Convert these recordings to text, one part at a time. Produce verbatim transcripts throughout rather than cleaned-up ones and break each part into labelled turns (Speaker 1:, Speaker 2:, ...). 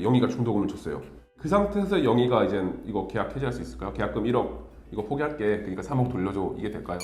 Speaker 1: 이제 영희가 중도금을 줬어요. 그 상태에서 영희가 이제 이거 계약 해지할 수 있을까요? 계약금 일억 이거 포기할게. 그러니까 삼억 돌려줘. 이게 될까요?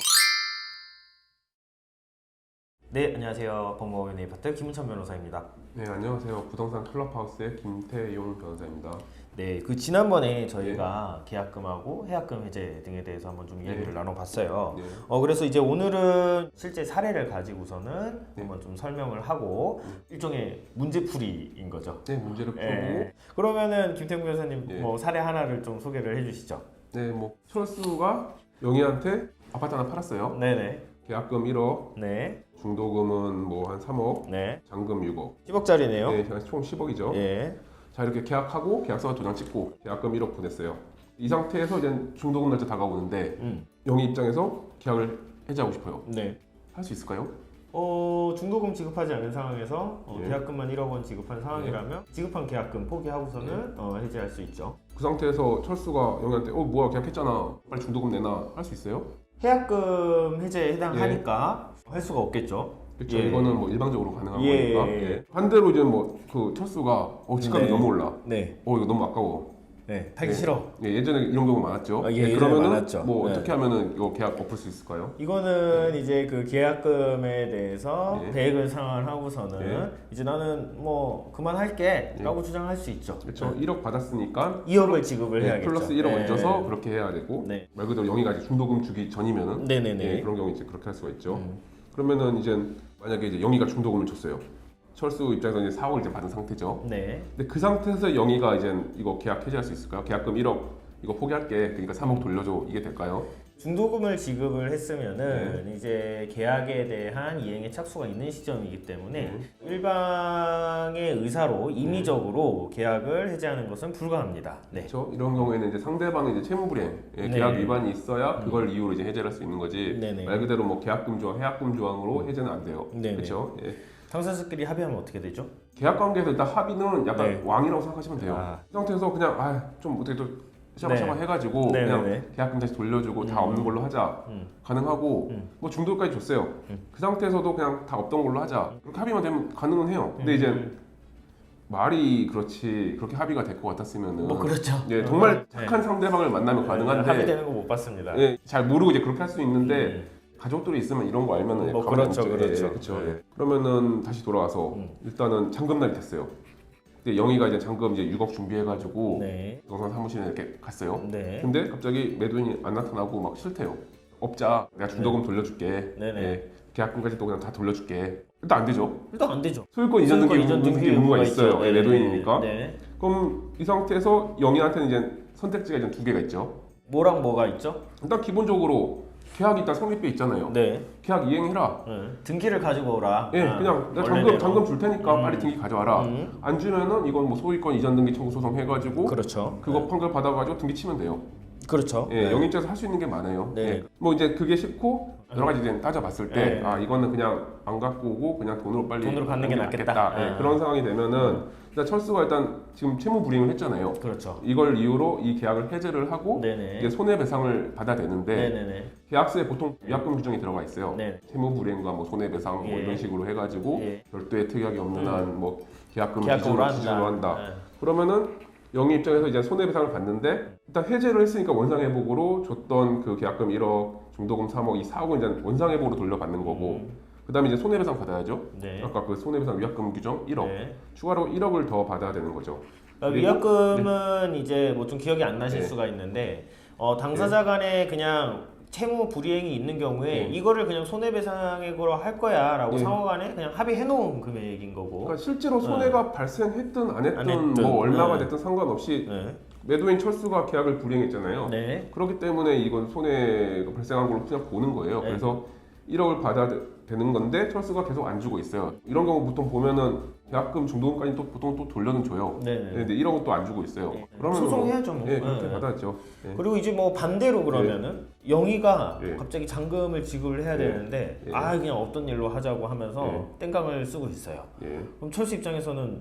Speaker 2: 네, 안녕하세요. 법무법인의 파트 김은찬 변호사입니다.
Speaker 1: 네, 안녕하세요. 부동산 클럽하우스의 김태용 변호사입니다.
Speaker 2: 네, 그 지난번에 저희가 계약금하고 해약금 해제 등에 대해서 한번 좀 이야기를
Speaker 1: 네.
Speaker 2: 나눠봤어요.
Speaker 1: 네.
Speaker 2: 어 그래서 이제 오늘은 실제 사례를 가지고서는
Speaker 1: 네.
Speaker 2: 한번 좀 설명을 하고 일종의 문제풀이인 거죠.
Speaker 1: 네, 문제를 풀고
Speaker 2: 예. 그러면은 김태용 변호사님
Speaker 1: 예.
Speaker 2: 뭐 사례 하나를 좀 소개를 해주시죠.
Speaker 1: 네, 뭐 철수가 영희한테 아파트 하나 팔았어요.
Speaker 2: 네네.
Speaker 1: 계약금 일억,
Speaker 2: 네.
Speaker 1: 중도금은 뭐 한 삼억,
Speaker 2: 네.
Speaker 1: 잔금 육억.
Speaker 2: 십억짜리네요.
Speaker 1: 네, 총 십억이죠.
Speaker 2: 예.
Speaker 1: 자, 이렇게 계약하고 계약서가 도장 찍고 계약금 일억 보냈어요. 이 상태에서 이제 중도금 날짜 다가오는데
Speaker 2: 음.
Speaker 1: 영희 입장에서 계약을 해지하고 싶어요.
Speaker 2: 네.
Speaker 1: 할 수 있을까요?
Speaker 2: 어 중도금 지급하지 않은 상황에서 어,
Speaker 1: 예.
Speaker 2: 계약금만 일억 원 지급한 상황이라면 지급한 계약금 포기하고서는 어, 해지할 수 있죠.
Speaker 1: 그 상태에서 철수가 영희한테 어 뭐야 계약했잖아 빨리 중도금 내놔 할 수 있어요?
Speaker 2: 해약금 해제에 해당하니까 할 수가 없겠죠.
Speaker 1: 그렇죠.
Speaker 2: 예.
Speaker 1: 이거는 뭐 일방적으로 가능한
Speaker 2: 예.
Speaker 1: 거니까. 예. 반대로 이제 뭐 그 철수가 어 집값이
Speaker 2: 네.
Speaker 1: 너무 올라.
Speaker 2: 네.
Speaker 1: 어 이거 너무 아까워.
Speaker 2: 네. 타기
Speaker 1: 예.
Speaker 2: 싫어.
Speaker 1: 예, 예전에 이런 경우 많았죠.
Speaker 2: 아, 예,
Speaker 1: 예,
Speaker 2: 예전에
Speaker 1: 그러면은
Speaker 2: 많았죠.
Speaker 1: 뭐
Speaker 2: 네.
Speaker 1: 어떻게 하면은 이거 계약 엎을 수 있을까요?
Speaker 2: 이거는 이제 그 계약금에 대해서
Speaker 1: 예.
Speaker 2: 계획을 상환하고서는
Speaker 1: 예.
Speaker 2: 이제 나는 뭐 그만할게라고 주장할 수 있죠.
Speaker 1: 그렇죠.
Speaker 2: 네.
Speaker 1: 일억 받았으니까
Speaker 2: 이억을 지급을
Speaker 1: 예,
Speaker 2: 해야겠죠.
Speaker 1: 플러스 일억
Speaker 2: 예.
Speaker 1: 얹어서 그렇게 해야 되고
Speaker 2: 네.
Speaker 1: 말 그대로 영희가 이제 중도금 주기 전이면은
Speaker 2: 네네네.
Speaker 1: 예, 그런 경우 이제 그렇게 할 수가 있죠.
Speaker 2: 음.
Speaker 1: 그러면은 이제 만약에 이제 영희가 중도금을 줬어요. 철수 입장에서 이제 사억을 이제 받은 상태죠.
Speaker 2: 네.
Speaker 1: 근데 그 상태에서 영희가 이제 이거 계약 해지할 수 있을까요? 계약금 일억 이거 포기할게. 그러니까 삼억 돌려줘. 이게 될까요?
Speaker 2: 중도금을 지급을 했으면은 이제 계약에 대한 이행의 착수가 있는 시점이기 때문에
Speaker 1: 네.
Speaker 2: 일방의 의사로 임의적으로 계약을 해제하는 것은 불가합니다. 네.
Speaker 1: 그렇죠. 이런 경우에는 이제 상대방의 이제 채무불이행, 예,
Speaker 2: 네.
Speaker 1: 계약 위반이 있어야 그걸 이유로 이제 해제를 할 수 있는 거지.
Speaker 2: 네네.
Speaker 1: 말 그대로 뭐 계약금 조항, 해약금 조항으로 해제는 안 돼요.
Speaker 2: 네네.
Speaker 1: 그렇죠. 예.
Speaker 2: 당사자끼리 합의하면 어떻게 되죠?
Speaker 1: 계약 관계에서 일단 합의는 약간
Speaker 2: 네.
Speaker 1: 왕이라고 생각하시면 돼요.
Speaker 2: 아.
Speaker 1: 이 상태에서 그냥 아, 좀 어떻게 또 샤바샤바
Speaker 2: 네.
Speaker 1: 해가지고
Speaker 2: 네네네.
Speaker 1: 그냥 계약금 다시 돌려주고 다
Speaker 2: 음.
Speaker 1: 없는 걸로 하자.
Speaker 2: 음.
Speaker 1: 가능하고
Speaker 2: 음.
Speaker 1: 뭐 중도까지 줬어요.
Speaker 2: 음.
Speaker 1: 그 상태에서도 그냥 다 없던 걸로 하자. 그렇게 합의만 되면 가능은 해요. 근데
Speaker 2: 음.
Speaker 1: 이제 말이 그렇지 그렇게 합의가 될 것 같았으면은
Speaker 2: 뭐 그렇죠.
Speaker 1: 예, 정말
Speaker 2: 네.
Speaker 1: 착한 상대방을 만나면 가능한데
Speaker 2: 합의되는 거 못 봤습니다.
Speaker 1: 예, 잘 모르고 이제 그렇게 할 수 있는데
Speaker 2: 음.
Speaker 1: 가족들이 있으면 이런 거 알면은
Speaker 2: 뭐
Speaker 1: 가만히
Speaker 2: 그렇죠,
Speaker 1: 앉죠.
Speaker 2: 그렇죠.
Speaker 1: 예, 그렇죠.
Speaker 2: 네.
Speaker 1: 예. 그러면은 다시 돌아와서
Speaker 2: 음.
Speaker 1: 일단은 잔금날이 됐어요. 근데 영희가 이제 잔금 이제 육억 준비해가지고
Speaker 2: 네.
Speaker 1: 부동산 사무실에 이렇게 갔어요.
Speaker 2: 네.
Speaker 1: 근데 갑자기 매도인이 안 나타나고 막 싫대요. 업자 내가 중도금 돌려줄게.
Speaker 2: 네네.
Speaker 1: 예, 계약금까지도 그냥 다 돌려줄게. 일단 안 되죠.
Speaker 2: 일단 안 되죠.
Speaker 1: 소유권 이전 등기
Speaker 2: 이전 등기
Speaker 1: 등기 의무가 있어요.
Speaker 2: 있죠.
Speaker 1: 예, 매도인이니까.
Speaker 2: 네.
Speaker 1: 그럼 이 상태에서 영희한테는 이제 선택지가 이제 두 개가 있죠.
Speaker 2: 뭐랑 뭐가 있죠?
Speaker 1: 일단 기본적으로 계약이 일단 성립돼 있잖아요.
Speaker 2: 네.
Speaker 1: 계약 이행해라.
Speaker 2: 네. 등기를 가지고 오라.
Speaker 1: 예,
Speaker 2: 아,
Speaker 1: 그냥 내가
Speaker 2: 원래대로.
Speaker 1: 잔금 잔금 줄 테니까
Speaker 2: 음.
Speaker 1: 빨리 등기 가져와라.
Speaker 2: 음.
Speaker 1: 안 주면은 이건 뭐 소유권 이전 등기 청구 소송 해가지고
Speaker 2: 그렇죠.
Speaker 1: 그거 판결 받아가지고 등기 치면 돼요.
Speaker 2: 그렇죠.
Speaker 1: 예,
Speaker 2: 네.
Speaker 1: 영희 입장에서 할 수 있는 게 많아요.
Speaker 2: 네.
Speaker 1: 예. 뭐 이제 그게 싫고 여러 가지 이제 따져봤을 때
Speaker 2: 네.
Speaker 1: 아 이거는 그냥 안 갖고 오고 그냥 돈으로 빨리
Speaker 2: 돈으로 받는 게 낫겠다.
Speaker 1: 예,
Speaker 2: 네.
Speaker 1: 그런 상황이 되면은 일단 철수가 일단 지금 채무 불이행을 했잖아요.
Speaker 2: 그렇죠.
Speaker 1: 이걸 이유로 이 계약을 해제를 하고
Speaker 2: 네네.
Speaker 1: 이제 손해배상을 받아야 되는데
Speaker 2: 네네네.
Speaker 1: 계약서에 보통 위약금 규정이 들어가 있어요.
Speaker 2: 네.
Speaker 1: 채무 불이행과 뭐 손해배상 뭐
Speaker 2: 예.
Speaker 1: 이런 식으로 해가지고
Speaker 2: 예.
Speaker 1: 별도의 특약이 없는
Speaker 2: 음.
Speaker 1: 한 뭐 계약금
Speaker 2: 계약금으로
Speaker 1: 기준으로, 기준으로 한다.
Speaker 2: 네.
Speaker 1: 그러면은 영희 입장에서 이제 손해배상을 받는데 일단 해제를 했으니까 원상회복으로 줬던 그 계약금 일억, 중도금 삼억, 이 사억은 이제 원상회복으로 돌려받는 거고
Speaker 2: 음.
Speaker 1: 그다음에 이제 손해배상 받아야죠.
Speaker 2: 네.
Speaker 1: 아까 그 손해배상 위약금 규정 일억
Speaker 2: 네.
Speaker 1: 추가로 일억을 더 받아야 되는 거죠.
Speaker 2: 그러니까
Speaker 1: 그리고-
Speaker 2: 위약금은 이제 뭐 좀 기억이 안 나실
Speaker 1: 네.
Speaker 2: 수가 있는데 어, 당사자 간에 그냥 채무 불이행이 있는 경우에
Speaker 1: 네.
Speaker 2: 이거를 그냥 손해배상액으로 할 거야라고
Speaker 1: 네.
Speaker 2: 상호간에 그냥 합의해 놓은 금액인 거고.
Speaker 1: 그러니까 실제로 손해가 발생했든 안 했든,
Speaker 2: 안 했든,
Speaker 1: 뭐 얼마가
Speaker 2: 네.
Speaker 1: 됐든 상관없이
Speaker 2: 네.
Speaker 1: 매도인 철수가 계약을 불이행했잖아요.
Speaker 2: 네.
Speaker 1: 그렇기 때문에 이건 손해가 발생한 걸로 그냥 보는 거예요.
Speaker 2: 네.
Speaker 1: 그래서 일억을 받아야 되- 되는 건데 철수가 계속 안 주고 있어요. 이런 경우 보통 보면은 계약금 중도금까지 또 보통 또 돌려는 줘요.
Speaker 2: 네.
Speaker 1: 네, 근데 일억은 또 안 주고 있어요.
Speaker 2: 네.
Speaker 1: 그러면
Speaker 2: 소송해야죠, 뭐.
Speaker 1: 뭐, 예, 그렇게
Speaker 2: 네.
Speaker 1: 받아야죠. 예.
Speaker 2: 그리고 이제 뭐 반대로 그러면은 영희가
Speaker 1: 예.
Speaker 2: 갑자기 잔금을 지급을 해야
Speaker 1: 예.
Speaker 2: 되는데
Speaker 1: 예.
Speaker 2: 아 그냥 없던 일로 하자고 하면서
Speaker 1: 예.
Speaker 2: 땡깡을 쓰고 있어요.
Speaker 1: 예.
Speaker 2: 그럼 철수 입장에서는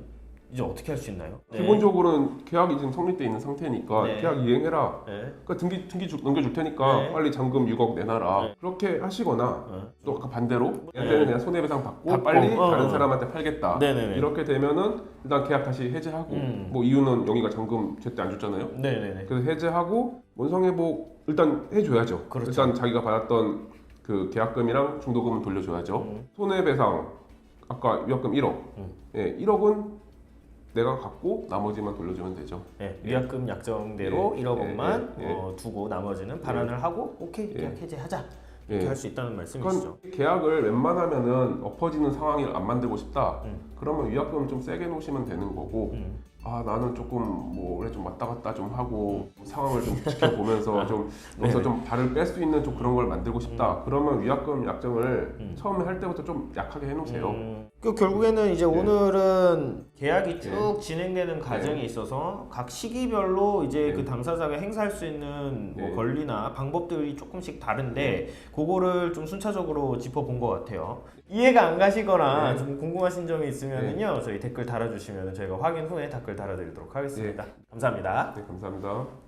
Speaker 2: 이제 어떻게 할 수 있나요? 네.
Speaker 1: 기본적으로는 계약이 지금 성립돼 있는 상태니까
Speaker 2: 네.
Speaker 1: 계약 이행해라.
Speaker 2: 네.
Speaker 1: 그러니까 등기 등기 주, 넘겨줄 테니까
Speaker 2: 네.
Speaker 1: 빨리 잔금 육억 내놔라.
Speaker 2: 네.
Speaker 1: 그렇게 하시거나
Speaker 2: 네.
Speaker 1: 또 아까 반대로
Speaker 2: 네.
Speaker 1: 얘한테는 그냥 손해배상 받고,
Speaker 2: 받고,
Speaker 1: 빨리
Speaker 2: 어,
Speaker 1: 다른
Speaker 2: 어.
Speaker 1: 사람한테 팔겠다.
Speaker 2: 네네네.
Speaker 1: 이렇게 되면은 일단 계약 다시 해제하고
Speaker 2: 음.
Speaker 1: 뭐 이유는 영희가 잔금 제때 안 줬잖아요.
Speaker 2: 네네네.
Speaker 1: 그래서 해제하고 원상회복 일단 해줘야죠.
Speaker 2: 그렇죠.
Speaker 1: 일단 자기가 받았던 그 계약금이랑 중도금은 돌려줘야죠.
Speaker 2: 음.
Speaker 1: 손해배상 아까 위약금 일억,
Speaker 2: 음.
Speaker 1: 예, 일억은 내가 갖고 나머지만 돌려주면 되죠.
Speaker 2: 네, 위약금 약정대로
Speaker 1: 예,
Speaker 2: 일억
Speaker 1: 예,
Speaker 2: 원만
Speaker 1: 예, 예.
Speaker 2: 어, 두고 나머지는 반환을 하고 오케이
Speaker 1: 예.
Speaker 2: 계약 해제하자 이렇게
Speaker 1: 예.
Speaker 2: 할 수 있다는 말씀이시죠.
Speaker 1: 그건 계약을 웬만하면은 엎어지는 상황을 안 만들고 싶다.
Speaker 2: 음.
Speaker 1: 그러면 위약금 좀 세게 놓으시면 되는 거고.
Speaker 2: 음.
Speaker 1: 아 나는 조금 뭐 올해 좀 왔다 갔다 좀 하고 상황을 좀 지켜보면서 좀 여기서
Speaker 2: 네네.
Speaker 1: 좀 발을 뺄 수 있는 좀 그런 걸 만들고 싶다. 그러면 위약금 약정을
Speaker 2: 음.
Speaker 1: 처음에 할 때부터 좀 약하게 해놓으세요.
Speaker 2: 음, 그 결국에는 이제
Speaker 1: 네.
Speaker 2: 오늘은 계약이 쭉
Speaker 1: 네.
Speaker 2: 진행되는 과정에 있어서 각 시기별로 이제
Speaker 1: 네.
Speaker 2: 그 당사자가 행사할 수 있는 뭐
Speaker 1: 네.
Speaker 2: 권리나 방법들이 조금씩 다른데 그거를 좀 순차적으로 짚어본 것 같아요. 이해가 안 가시거나
Speaker 1: 네.
Speaker 2: 좀 궁금하신 점이 있으면요 저희 댓글 달아주시면 저희가 확인 후에 댓글 달아드리도록 하겠습니다. 감사합니다.
Speaker 1: 네, 감사합니다.